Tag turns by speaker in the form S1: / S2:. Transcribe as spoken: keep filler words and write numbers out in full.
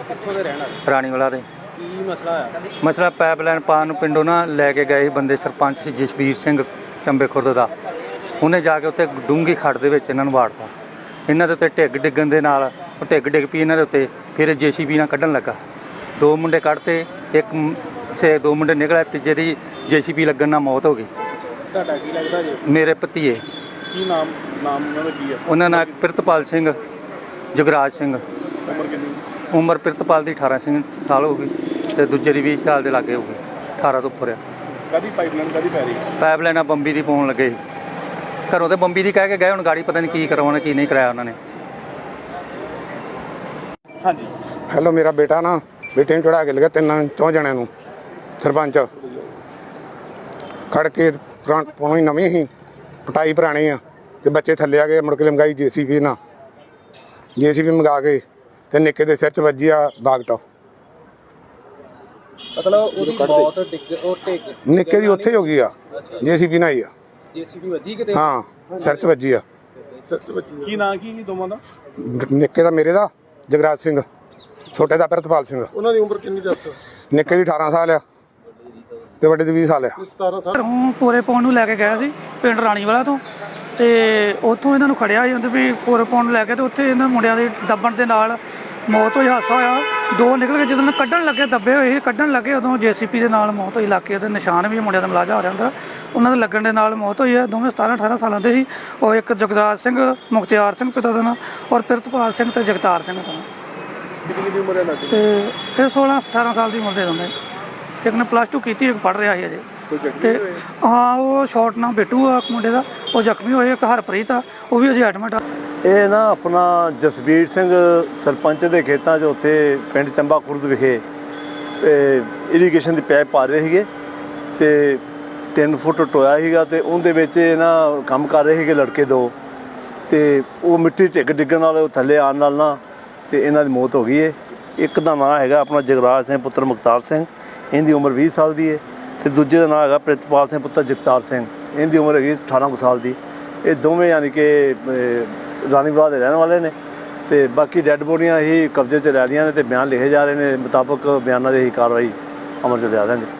S1: ਕਿੱਥੋਂ ਦੇ ਰਹਿਣ ਵਾਲੇ?
S2: ਰਾਣੀਵਾਲਾ ਦੇ।
S1: ਕੀ ਮਸਲਾ ਹੈ?
S2: ਮਸਲਾ ਪਾਈਪਲਾਈਨ ਪਾਉਣ ਨੂੰ ਪਿੰਡੋਂ ਨਾ ਲੈ ਕੇ ਗਏ ਬੰਦੇ, ਸਰਪੰਚ ਸੀ ਜਸਵੀਰ ਸਿੰਘ ਚੰਬੇ ਖੁਰਦ ਦਾ। ਉਹਨੇ ਜਾ ਕੇ ਉੱਥੇ ਡੂੰਘੀ ਖੱਡ ਦੇ ਵਿੱਚ ਇਹਨਾਂ ਨੂੰ ਵਾੜਤਾ। ਇਹਨਾਂ ਦੇ ਉੱਤੇ ਢਿੱਗ ਡਿੱਗਣ ਦੇ ਨਾਲ ਉਹ ਢਿੱਗ ਡਿੱਗ ਪਈ ਇਹਨਾਂ ਦੇ ਉੱਤੇ। ਫਿਰ ਜੇ ਸੀ ਬੀ ਨਾਲ ਕੱਢਣ ਲੱਗਾ। ਦੋ ਮੁੰਡੇ ਕੱਢਤੇ, ਇੱਕ ਸੇ ਦੋ ਮੁੰਡੇ ਨਿਕਲੇ, ਤੀਜੇ ਦੀ ਜੇ ਸੀ ਬੀ ਲੱਗਣ ਨਾਲ ਮੌਤ ਹੋ ਗਈ।
S1: ਤੁਹਾਡਾ ਕੀ ਲੱਗਦਾ ਜੀ?
S2: ਮੇਰੇ ਭਤੀਏ।
S1: ਕੀ ਨਾਮ ਨਾਮ ਉਹਨਾਂ ਦਾ ਕੀ ਹੈ?
S2: ਉਹਨਾਂ ਨਾਲ ਪ੍ਰਿਤਪਾਲ ਸਿੰਘ, ਜਗਰਾਜ ਸਿੰਘ।
S1: ਉਮਰ ਕਿੰਨੀ?
S2: ਉਮਰ ਪ੍ਰਿਤਪਾਲ ਦੀ ਅਠਾਰਾਂ ਸਿੰਘ ਸਾਲ ਹੋ ਗਈ ਅਤੇ ਦੂਜੇ ਦੀ ਵੀਹ ਸਾਲ ਦੇ ਲਾਗੇ ਹੋ ਗਈ। ਅਠਾਰਾਂ ਤੋਂ ਉੱਪਰ ਆ।
S1: ਕਾਹਦੀ ਪਾਈਪਲਾਈਨ ਕਾਹਦੀ ਪੈ ਰਹੀ?
S2: ਪਾਈਪਲਾਈਨਾਂ ਬੰਬੀ ਦੀ ਪਾਉਣ ਲੱਗੇ। ਘਰੋਂ ਤੇ ਬੰਬੀ ਦੀ ਕਹਿ ਕੇ ਗਏ, ਹੁਣ ਗਾੜੀ ਪਤਾ ਨਹੀਂ ਕੀ ਕਰਵਾਉਣਾ ਕੀ ਨਹੀਂ ਕਰਾਇਆ ਉਹਨਾਂ ਨੇ।
S1: ਹਾਂਜੀ
S3: ਹੈਲੋ, ਮੇਰਾ ਬੇਟਾ ਨਾ ਬੇਟੇ ਨੂੰ ਚੜਾ ਕੇ ਲਗਾ ਤਿੰਨਾਂ ਚੌਂ ਜਣਿਆਂ ਨੂੰ। ਸਰਪੰਚ ਖੜ ਕੇ ਪੁਰਾਣੀ ਨਵੀਂ ਸੀ, ਪਟਾਈ ਪੁਰਾਣੀ ਆ, ਅਤੇ ਬੱਚੇ ਥੱਲੇ ਆ ਗਏ। ਮੁੜ ਕੇ ਲੰਗਾਈ ਜੇ ਸੀ ਬੀ ਨਾਲ, ਜੇ ਸੀ ਬੀ ਮੰਗਾ ਕੇ ਤੇ ਨਿੱਕੇ ਦੇ ਸਿਰ 'ਚ ਵੱਜੀ ਆ ਬਾਗਟਾ।
S1: ਮਤਲਬ ਉਹਦੀ ਮੌਤ ਡਿੱਗ ਉਹ ਢਿੱਗ
S3: ਨਿੱਕੇ ਦੀ ਉੱਥੇ ਹੀ ਹੋ ਗਈ ਆ, ਜੇ ਸੀ ਬੀ ਨਾਲ ਹੀ ਆ।
S1: ਜੇ ਸੀ ਬੀ ਵੱਜੀ ਕਿਤੇ?
S3: ਹਾਂ, ਸਿਰ 'ਚ ਵੱਜੀ ਆ।
S1: ਸਿਰ 'ਚ ਵੱਜੀ। ਕੀ ਨਾਂ ਕੀ ਸੀ ਦੋਵਾਂ ਦਾ?
S3: ਨਿੱਕੇ ਦਾ ਮੇਰੇ ਦਾ ਜਗਰਾਜ ਸਿੰਘ, ਛੋਟੇ ਦਾ ਪ੍ਰਿਤਪਾਲ ਸਿੰਘ।
S1: ਉਹਨਾਂ ਦੀ ਉਮਰ ਕਿੰਨੀ ਦੱਸ?
S3: ਨਿੱਕੇ ਦੀ ਅਠਾਰਾਂ ਸਾਲ ਆ ਤੇ ਵੱਡੇ ਦੀ ਵੀਹ ਸਾਲ ਆ।
S1: ਸਤਾਰਾਂ ਸਾਲ।
S4: ਹੁਣ ਪੂਰੇ ਪਾਉਣ ਨੂੰ ਲੈ ਕੇ ਗਏ ਸੀ ਪਿੰਡ ਰਾਣੀਵਾਲਾ ਤੋਂ, ਤੇ ਉੱਥੋਂ ਇਹਨਾਂ ਨੂੰ ਖੜਿਆ ਸੀ ਵੀ ਪੂਰੇ ਪਾਉਣ ਨੂੰ ਲੈ ਕੇ, ਤੇ ਉੱਥੇ ਇਹਨਾਂ ਮੁੰਡਿਆਂ ਦੇ ਦੱਬਣ ਦੇ ਨਾਲ ਮੌਤ ਹੋਈ। ਹਾਦਸਾ ਹੋਇਆ, ਦੋ ਨਿਕਲ ਕੇ ਜਦੋਂ ਕੱਢਣ ਲੱਗੇ, ਦੱਬੇ ਹੋਏ ਕੱਢਣ ਲੱਗੇ, ਉਦੋਂ ਜੇ ਸੀ ਪੀ ਦੇ ਨਾਲ ਮੌਤ ਹੋਈ। ਇਲਾਕੇ ਦੇ ਨਿਸ਼ਾਨ ਵੀ ਮੁੰਡਿਆਂ ਦਾ ਮਲਾਜਾ ਹੋ ਰਿਹਾ ਅੰਦਰ, ਉਹਨਾਂ ਦੇ ਲੱਗਣ ਦੇ ਨਾਲ ਮੌਤ ਹੋਈ ਹੈ। ਦੋਵੇਂ ਸਤਾਰਾਂ ਅਠਾਰਾਂ ਸਾਲਾਂ ਦੇ ਸੀ। ਉਹ ਇੱਕ ਜਗਰਾਜ ਸਿੰਘ, ਮੁਖਤਿਆਰ ਸਿੰਘ ਪਿਤਾ ਦਾ ਨਾਂ, ਔਰ ਪ੍ਰਿਤਪਾਲ ਸਿੰਘ ਤੇ ਜਗਤਾਰ ਸਿੰਘ ਦਾ ਨਾਂ।
S1: ਕਿੰਨੀ ਕਿੰਨੀ ਉਮਰ ਹੈ ਨਾ?
S4: ਤੇ ਇਹ ਸੋਲਾਂ ਅਠਾਰਾਂ ਸਾਲ ਦੀ ਉਮਰ ਦੇ ਦੋਨੇ। ਇੱਕ ਨੇ ਪਲੱਸ ਟੂ ਕੀਤੀ, ਇੱਕ ਪੜ੍ਹ ਰਿਹਾ ਸੀ ਅਜੇ। ਤੇ ਹਾਂ, ਉਹ ਸ਼ਾਰਟ ਨਾਲ ਬਿੱਟੂ ਆ ਮੁੰਡੇ ਦਾ, ਉਹ ਜ਼ਖਮੀ ਹੋਏ। ਇੱਕ ਹਰਪ੍ਰੀਤ ਆ, ਉਹ ਵੀ ਅਜੇ ਐਡਮਿਟ ਆ।
S5: ਇਹ ਨਾ ਆਪਣਾ ਜਸਵੀਰ ਸਿੰਘ ਸਰਪੰਚ ਦੇ ਖੇਤਾਂ 'ਚ ਉੱਥੇ ਪਿੰਡ ਚੰਬਾ ਖੁਰਦ ਵਿਖੇ ਇਰੀਗੇਸ਼ਨ ਦੀ ਪਾਈਪ ਪਾ ਰਹੇ ਸੀਗੇ, ਅਤੇ ਤਿੰਨ ਫੁੱਟ ਟੋਇਆ ਸੀਗਾ, ਅਤੇ ਉਹਦੇ ਵਿੱਚ ਇਹ ਨਾ ਕੰਮ ਕਰ ਰਹੇ ਸੀਗੇ ਲੜਕੇ ਦੋ, ਅਤੇ ਉਹ ਮਿੱਟੀ ਢਿੱਗ ਡਿੱਗਣ ਨਾਲ ਥੱਲੇ ਆਉਣ ਨਾਲ ਨਾ ਅਤੇ ਇਹਨਾਂ ਦੀ ਮੌਤ ਹੋ ਗਈ ਹੈ। ਇੱਕ ਦਾ ਨਾਂ ਹੈਗਾ ਆਪਣਾ ਜਗਰਾਜ ਸਿੰਘ ਪੁੱਤਰ ਮੁਖਤਾਰ ਸਿੰਘ, ਇਹਦੀ ਉਮਰ ਵੀਹ ਸਾਲ ਦੀ ਹੈ, ਅਤੇ ਦੂਜੇ ਦਾ ਨਾਂ ਹੈਗਾ ਪ੍ਰਿਤਪਾਲ ਸਿੰਘ ਪੁੱਤਰ ਜਗਤਾਰ ਸਿੰਘ, ਇਹਦੀ ਉਮਰ ਹੈਗੀ ਅਠਾਰਾਂ ਕੁ ਸਾਲ ਦੀ। ਇਹ ਦੋਵੇਂ ਯਾਨੀ ਕਿ ਰਾਣੀਵਾਲਾ ਦੇ ਰਹਿਣ ਵਾਲੇ ਨੇ, ਅਤੇ ਬਾਕੀ ਡੈੱਡ ਬੋਡੀਆਂ ਹੀ ਕਬਜ਼ੇ 'ਚ ਲੈ ਰਹੀਆਂ ਨੇ, ਅਤੇ ਬਿਆਨ ਲਿਖੇ ਜਾ ਰਹੇ ਨੇ। ਮੁਤਾਬਕ ਬਿਆਨਾਂ ਦੀ ਹੀ ਕਾਰਵਾਈ ਅਮਲ 'ਚ ਲਿਆ ਦਾਂਗੇ।